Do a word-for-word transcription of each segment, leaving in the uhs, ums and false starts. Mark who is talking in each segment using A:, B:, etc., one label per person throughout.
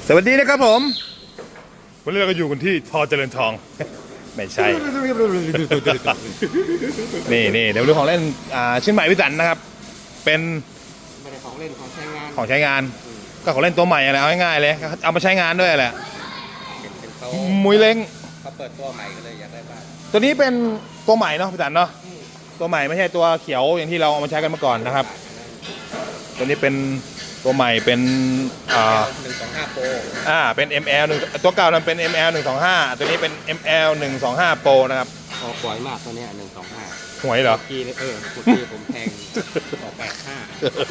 A: สวัสดีนะครับผมวันนี้เราก็อยู่กันที่ทอเจริญทองไม่ใช่ นี่นี่เดี๋ยวดูของเล่นอ่าชิ้นใหม่พิสันนะครับเป็น
B: ไม่ได้ของเล่นของใช้งาน
A: ของใช้งานก็ของเล่นตัวใหม่อะไรเอาง่ายๆเลยเอามาใช้งานด้วยแหละ
B: เป็นเขา
A: มุ้ยเล้ง
B: เขาเปิดตัวใหม่ก็เลยอยากได้บ้าง
A: ตัวนี้เป็นตัวใหม่เนาะพิสันเนาะตัวใหม่ไม่ใช่ตัวเขียวอย่างที่เราเอามาใช้กันเมื่อก่อนนะครับตัวนี้เป็นตัวใหม่เป็นอ่า
B: หนึ่งสองห้าโปร
A: อ่าเป็น เอ็ม แอล หนึ่งตัวเก่านั้นเป็น เอ็ม แอล หนึ่งสองห้าตัวนี้เป็น เอ็ม แอล หนึ่งสองห้า Pro นะครับ
B: ออกหวยมากตัวนี้หนึ่งสองห้า
A: หวยเหรอ
B: กีเออเมื่อกี้ผมแทงออกแปดห้า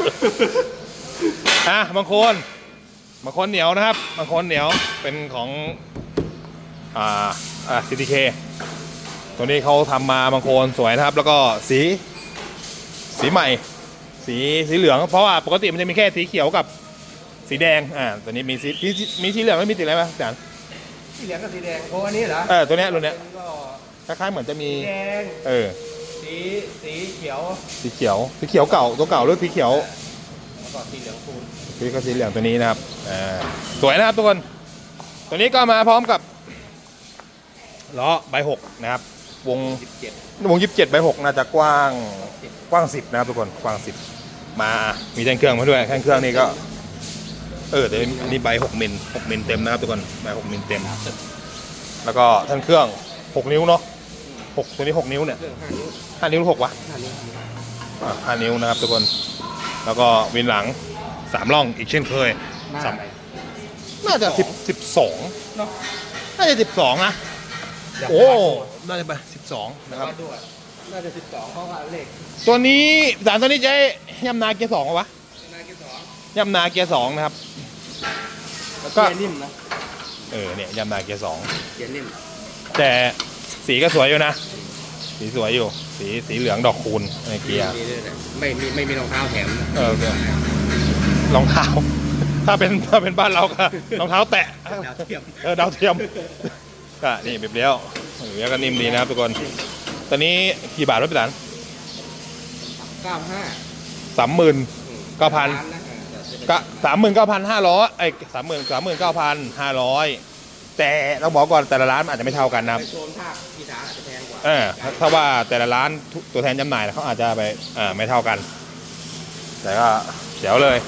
A: อ่ะบางคนบางคนเหนียวนะครับบางคนเหนียวเป็นของอ่าอ่า ซี ที เค ตัวนี้เขาทำมาบางคนสวยนะครับแล้วก็สีสีใหม่สีสีเหลืองเพราะว่าปกติมันจะมีแค่สีเขียวกับสีแดงอ่าตัวนี้มีสีมีมีสีเหลืองไม่มีสีอะไรไหมอาจารย์
B: สีเหลืองกับสีแดงโอ้อันนี้เหรอ
A: เออตัวเนี้ยตัวเนี้ยคล้ายๆเหมือนจะมี
B: แดง
A: เออ
B: สีสีเขียว
A: สีเขียวสีเขียวเก่าตัวเก่าหรือสีเขียว
B: แล้วก็สีเหลืองคูณ
A: สีก็สีเหลืองตัวนี้นะครับอ่าสวยนะครับทุกคนตัวนี้ก็มาพร้อมกับล้อใบหกนะครับวง
B: สิบเจ็ด
A: วงยี่สิบเจ็ดใบหกน่าจะกว้างกว้างสิบนะครับทุกคนกว้างสิบมามีแท่งเครื่องมาด้วยแท่งเครื่องนี่ก็เออแต่นี่ใบหกมิลหกมิลเต็มนะครับทุกคนใบหกมิลเต็มแล้วก็แท่งเครื่องหกนิ้วเนาะหกตัวนี้หกนิ้วเนี่ยห้านิ้วหกวะห้านิ้วนะครับทุกคนแล้วก็วินหลังสามร่องอีกเช่นเคยน่าจะสิบสิบสองน่าจะสิบสองนะโอ้น่าจะไปสิบสองนะครับ
B: น่าจะสิบสองเพราะว่าเลข
A: ตัวนี้สารตัวนี้ใช้ย่ำนาเกียร์สองวะย่ำนาเกียร์สองนะครับ
B: แล้วก็นิ่มนะ
A: เออเนี่ยย่ำนาเกียร์สอง
B: เกียร์นิ่ม
A: แต่สีก็สวยอยู่นะสีสวยอยู่สีสีเหลืองดอกคูณในเกียร์
B: ไม่มีไม่มีรองเท้าแถม
A: เออรองเท้าถ้าเป็นถ้าเป็นบ้านเราก็รองเท้าแตะ
B: ดาวเทียม
A: เออดาวเทียมก็นี่แบบเลี้ยวเลี้ยวก็นิ่มดีนะครับทุกคนตอนนี้กี่บาทรถพี่หลาน
B: เก้าห้า
A: สามหมื่นเก้าพันก็สามหมื่นเก้าพันห้าร้อยไอ้สามหมื่นสามหมื่นเก้าพันห้าร้อยแต่เราบอกก่อนแต่ละร้านอาจจะไม่เท่ากันนะครับ
B: โซนภาคอีสานอาจจะแพงกว่า
A: เออถ้าว่าแต่ละร้านตัวแทนจำหน่ายเขาอาจจะไปอ่าไม่เท่ากันแต่ก็เดี๋ยวเลย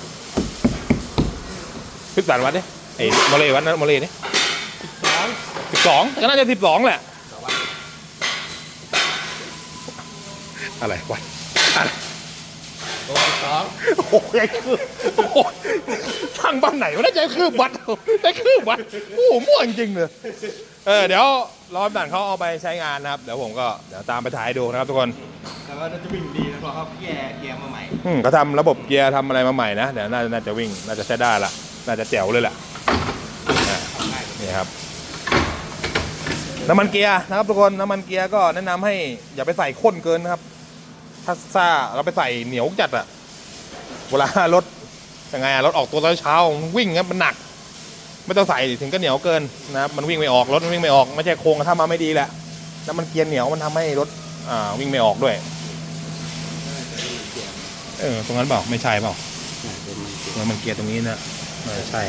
A: พิจารณาวัดดิไอ้โมเลวัดนะโมเลนี่สิบสองก็น่าจะสิบสองแหละอะไรวัดอะไร
B: โอ้สอง
A: โอ้โหใจคืบโอ้โหทางบ้านไหนวะได้ใจคืบวัดได้คืบวัดโอ้โหมั่วจริงเลยเออเดี๋ยวรอด่านเขาเอาไปใช้งานนะครับเดี๋ยวผมก็เดี๋ยวตามไปถ่ายดูนะครับทุกคน
B: แต่ว่าน่าจะวิ่งดีนะเพราะเขาแก้เกียร์มาใหม่
A: อืมเขาทำระบบเกียร์ทำอะไรมาใหม่นะเดี๋ยวน่าน่าจะวิ่งน่าจะใช้ได้ละน่าจะแจ๋วเลยแหละนี่ครับน้ำมันเกียร์นะครับทุกคนน้ำมันเกียร์ก็แนะนำให้อย่าไปใส่ข้นเกินนะครับถ้าซ่าเราไปใส่เหนียวจัดอะเวลารถยังไงอะรถออกตัวตอนเช้าวิ่งครับมันหนักไม่ต้องใส่ถึงก็เหนียวเกินนะครับมันวิ่งไม่ออกรถมันวิ่งไม่ออกไม่ใช่โครงถ้ามาไม่ดีแหละน้ำมันเกียร์เหนียวมันทำให้รถอ่าวิ่งไม่ออกด้วยเออตรงนั้นเปล่าไม่ใช่เปล่าน้ำมันเกียร์ตรงนี้นะไม่ใช่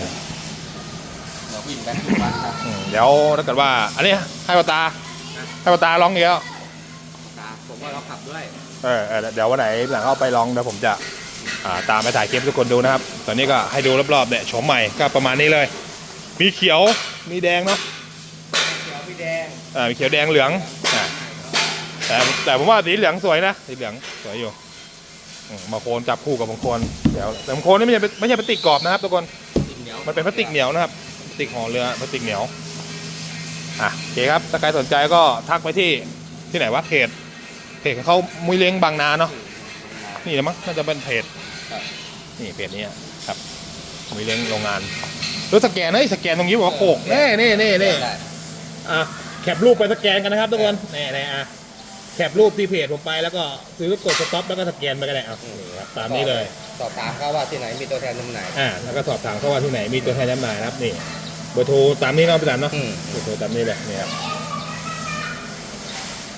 A: เดี๋ยวถ้าเกิดว่าอันนี้ให้ปตาให้ปตาลองเดียว
B: ผมว่าเราขับด้วย
A: เออเดี๋ยววันไหนหลังเข้าไปลองเดี๋ยวผมจะตามไปถ่ายคลิปทุกคนดูนะครับตอนนี้ก็ให้ดูรอบๆเนี่ยโฉมใหม่ก็ประมาณนี้เลยมีเขียวมีแดงเนาะ
B: เขียวมีแดง
A: อ่ามีเขียวแดงเหลืองแต่แต่ผมว่าสีเหลืองสวยนะสีเหลืองสวยอยู่บางโคนจับคู่กับบางโคนเดี๋ยวแต่บางโคนนี่ไม่ใช่ไม่ใช่พลาสติกกรอบนะครับทุกคนมันเป็นพลาสติกเหนียวนะครับพลาสติกห่อเรือพลาสติกเหนียวอ่ะโอเคครับถ้าใครสนใจก็ทักไปที่ที่ไหนวะเพจเพจเขามุ้ยเล้งบางนาเนาะนี่แหละมั้งน่าจะเป็นเพจนี่เพจนี้ครับมุ้ยเล้งโรงงานรถสแกนเฮ้ยสแกนตรงนี้บอกว่าโขกเน่เน่เน่เน่อ่ะแคปรูปไปสแกนกันนะครับทุกคนแน่แน่อ่ะแคปรูปที่เพจผมไปแล้วก็ซื้อกดสต็อปแล้วก็สแกนไปก็ได้เอาตามนี้เลย
B: สอบถามเขาว่าที่ไหนมีตัวแทนจำหน่าย
A: อ่าแล้วก็สอบถามเขาว่าที่ไหนมีตัวแทนจำหน่ายนะครับนี่เบอร์โทรตามนี้เนาะพี่ตันเนาะเบอร์โทรตามนี้เลยนี่ครับ